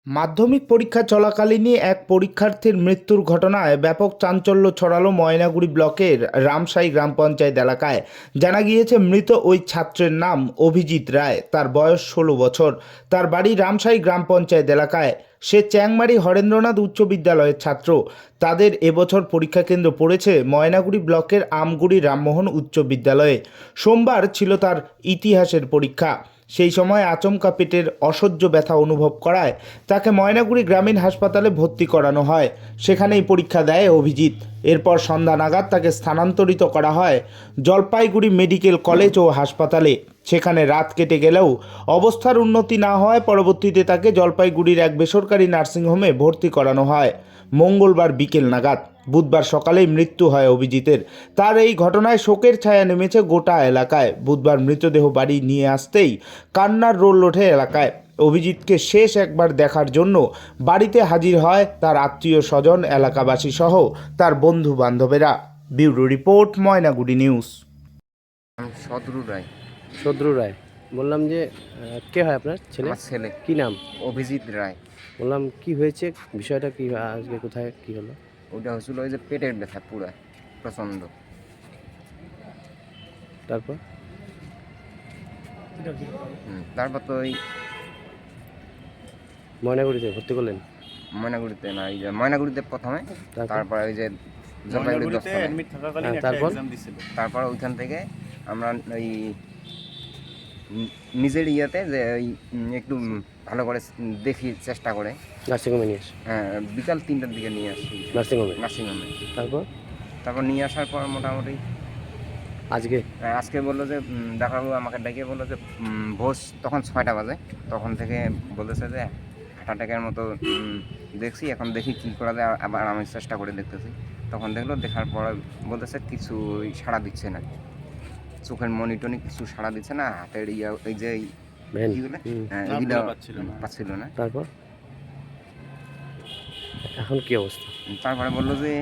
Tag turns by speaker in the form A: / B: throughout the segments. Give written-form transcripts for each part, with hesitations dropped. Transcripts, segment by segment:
A: মাধ্যমিক পরীক্ষা চলাকালীনই এক পরীক্ষার্থীর মৃত্যুর ঘটনায় ব্যাপক চাঞ্চল্য ছড়ালো ময়নাগুড়ি ব্লকের রামসাই গ্রাম পঞ্চায়েত এলাকায়। জানা গিয়েছে, মৃত ওই ছাত্রের নাম অভিজিৎ রায়। তার বয়স 16 বছর। তার বাড়ি রামসাই গ্রাম পঞ্চায়েত এলাকায়। সে চ্যাংমারি হরেন্দ্রনাথ উচ্চ বিদ্যালয়ের ছাত্র। তাদের এবছর পরীক্ষা কেন্দ্র পড়েছে ময়নাগুড়ি ব্লকের আমগুড়ি রামমোহন উচ্চ বিদ্যালয়ে। সোমবার ছিল তার ইতিহাসের পরীক্ষা। সেই সময় আচমকা পেটের অসহ্য ব্যথা অনুভব করায় তাকে ময়নাগুড়ি গ্রামীণ হাসপাতালে ভর্তি করানো হয়। সেখানেই পরীক্ষা দেয় অভিজিৎ। এরপর সন্ধ্যা নাগাদ তাকে স্থানান্তরিত করা হয় জলপাইগুড়ি মেডিকেল কলেজ ও হাসপাতালে। সেখানে রাত কেটে গেলেও অবস্থার উন্নতি না হওয়ায় পরবর্তীতে তাকে জলপাইগুড়ির এক বেসরকারি নার্সিংহোমে ভর্তি করানো হয় মঙ্গলবার বিকেল নাগাদ। বুধবার সকালেই মৃত্যু হয় অভিজিতের। তার এই ঘটনায় শোকের ছায়া নেমেছে গোটা এলাকায়। বুধবার মৃতদেহ বাড়ি নিয়ে আসতেই কান্নার রোল ওঠে এলাকায়। অভিজিৎকে শেষ একবার দেখার জন্য বাড়িতে হাজির হয় তার আত্মীয় স্বজন, এলাকাবাসী সহ তার বন্ধু বান্ধবেরা। Bureau report, Moynaguri news.
B: Sadru Ray.
C: Sadru Ray. বললাম যে কে হয় আপনার ছেলে?
B: আমার ছেলে
C: কি নাম?
B: অভিজিৎ রায়।
C: বললাম কি হয়েছে, বিষয়টা কি, আজকে কোথায় কি হলো?
B: ওইটা হয়েছিল ওই যে পেটের ব্যথা পুরা প্রচণ্ড।
C: তারপর
B: তারপর তো ওই
C: ময়নাগুড়িতে ভর্তি করলেন?
B: ময়নাগুড়িতে না, এই যে ময়নাগুড়িতে প্রথমে, তারপর ওই যে জলপাইগুড়ি তারপর ওইখান থেকে আমরা ওই নিজের ইয়েতে যে ওই একটু ভালো করে দেখি চেষ্টা করে
C: নার্সিংহোমে নিয়ে আসে?
B: হ্যাঁ, বিকাল 3টার দিকে নিয়ে আসি নার্সিংহোমে। তারপর নিয়ে আসার পর মোটামুটি আজকে বললো যে ডাক্তারবাবু আমাকে ডেকে বললো যে ভোর তখন 6টা বাজে, তখন থেকে বলতেছে যে হার্ট অ্যাটাকের মতো দেখছি, এখন দেখি কী করা যায়। আবার আমি চেষ্টা করে দেখতেছি, তখন দেখার পর বলতেছে কিছু সাড়া দিচ্ছে না, চোখের মনিটনি কিছু সাড়া দিচ্ছে না, হাতের এই যে এগুলো পাচ্ছিল না।
C: তারপর এখন কি অবস্থা?
B: তারপরে বললো যে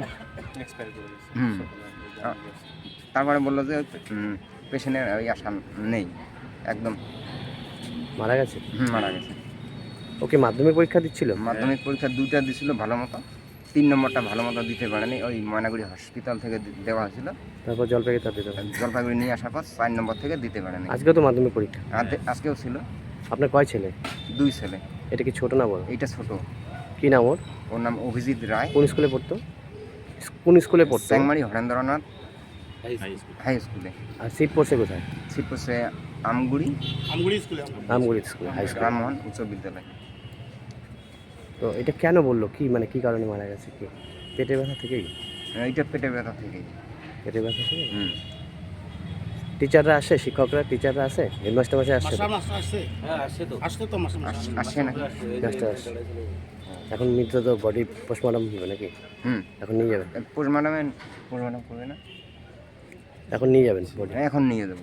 B: তারপরে বললো যে পেশেন্টের ওই আশা নেই, একদম
C: মারা গেছে।
B: মারা গেছে।
C: ওকে মাধ্যমিক পরীক্ষা দিচ্ছিল?
B: মাধ্যমিক পরীক্ষা 2টা দিছিল ভালো মতো, 3 নম্বরটা ভালো মতো দিতে পারেনি। ওই ময়নাগুড়ি হসপিটাল থেকে দেওয়া হয়েছিল।
C: তারপর
B: জলপাইগুড়ি নিয়ে আসার পর 4 নম্বর থেকে দিতে পারেনি।
C: আজকেও তো মাধ্যমিক পরীক্ষা?
B: আজকেও ছিল।
C: আপনার কয় ছেলে?
B: 2 ছেলে।
C: এটা কি ছোট না বড়?
B: এইটা ছোট।
C: কি নাম ওর?
B: ওর নাম অভিজিৎ রায়।
C: কোন স্কুলে পড়তো?
B: চ্যাংমারি হরেন্দ্রনাথ হাই স্কুলে।
C: আর সিট পড়ছে কোথায়?
B: সিট পড়ছে আমগুড়ি
C: স্কুলে, হাই স্কুল,
B: রামমোহন উচ্চ বিদ্যালয়।
C: তো এটা কেন বললো, কি মানে কি কারণে মারা গেছে? কি পেটের ব্যথা থেকেই?
B: এইটা পেটের ব্যথা থেকে।
C: পেটের ব্যথা থেকে? টিচাররা আসে, শিক্ষকরা টিচাররা আসে, হেডমাস্টার মাসে আসে?
B: আসে না।
C: এখন মৃত তো বডি পোস্টমর্টম হবে নাকি? এখন নিয়ে যাবেন?
B: পোস্টমর্টম করবে না,
C: এখন নিয়ে যাবেন বডি?
B: এখন নিয়ে যাবো।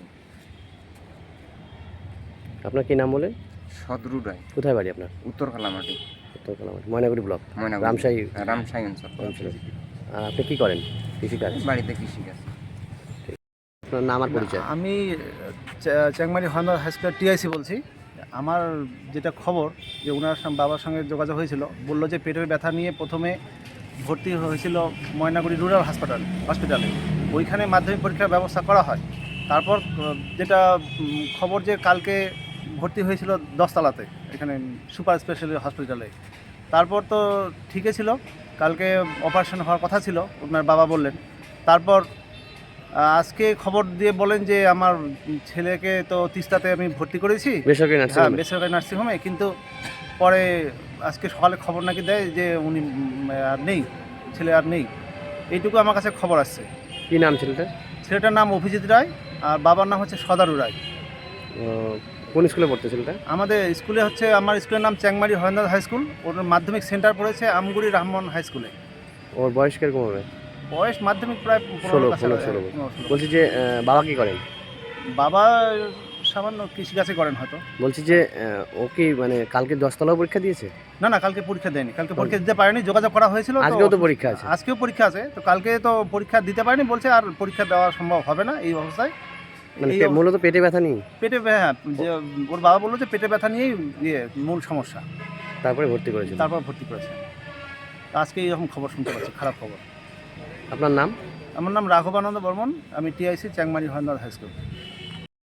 C: আপনার কি নাম বলেন?
B: সদরু রায়।
C: কোথায় বাড়ি আপনার?
B: উত্তর কালামাটি,
C: ময়নাগুড়ি ব্লক,
B: রামসাই অঞ্চল।
C: আর আপনি কি করেন? কৃষিকাজ?
B: বাড়িতে কৃষিকাজ।
C: আপনার নাম আর পরিচয়?
D: আমি চ্যাংমারি হরেন্দ্রনাথ হাই স্কুলের টিআইসি বলছি। আমার যেটা খবর যে ওনার বাবার সঙ্গে যোগাযোগ হয়েছিল, বললো যে পেটের ব্যথা নিয়ে প্রথমে ভর্তি হয়েছিল ময়নাগুড়ি রুরাল হসপিটালে। ওইখানে মাধ্যমিক পরীক্ষার ব্যবস্থা করা হয়। তারপর যেটা খবর যে কালকে ভর্তি হয়েছিল 10 তলাতে, এখানে সুপার স্পেশালিটি হসপিটালে। তারপর তো ঠিকই ছিল, কালকে অপারেশন হওয়ার কথা ছিল ওনার বাবা বললেন। তারপর আজকে খবর দিয়ে বলেন যে আমার ছেলেকে তো তিস্তাতে আমি ভর্তি করেছি, বেসরকারি নার্সিংহোমে, কিন্তু পরে আজকে সকালে খবর নাকি দেয় যে উনি আর নেই, ছেলে আর নেই। এইটুকু আমার কাছে খবর আসছে।
C: কী নাম
D: ছেলেটার নাম অভিজিৎ রায়, আর বাবার নাম হচ্ছে সদারু রায়।
C: কোন স্কুলে পড়তে ছেলেটা?
D: আমাদের স্কুলে হচ্ছে, আমার স্কুলের নাম চ্যাংমারি হরেন্দ্রনাথ হাই স্কুল। ওর মাধ্যমিক সেন্টার পড়েছে আমগুড়ি রামমোহন হাই স্কুলে।
C: ওর বয়স কিরকম হবে?
D: বয়স মাধ্যমিক প্রায়
C: 16। বলছি যে বাবা কি করেন?
D: বাবা সামান্য কৃষিকাজে করেন হয়তো।
C: বলছি যে ও কি মানে কালকে 10 তলাও পরীক্ষা দিয়েছে?
D: না, কালকে পরীক্ষা দেয়নি, কালকে পরীক্ষা দিতে পারেনি, যোগাযোগ করা হয়েছিল।
C: আজকেও তো পরীক্ষা আছে?
D: আজকেও পরীক্ষা আছে, তো কালকে তো পরীক্ষা দিতে পারেনি, বলছে আর পরীক্ষা দেওয়া সম্ভব হবে না এই অবস্থায়।
C: মানে মূলত পেটে ব্যথা নিয়ে?
D: পেটে, হ্যাঁ, যে ওর বাবা বললো যে পেটে ব্যথা নিয়েই মূল সমস্যা।
C: তারপরে ভর্তি করেছিল।
D: তারপর ভর্তি করেছে। আজকে এইরকম খবর শুনতে পাচ্ছি, খারাপ খবর।
C: আপনার নাম?
D: আমার নাম রাঘবানন্দ বর্মন, আমি TIC Changmari Haranath high school.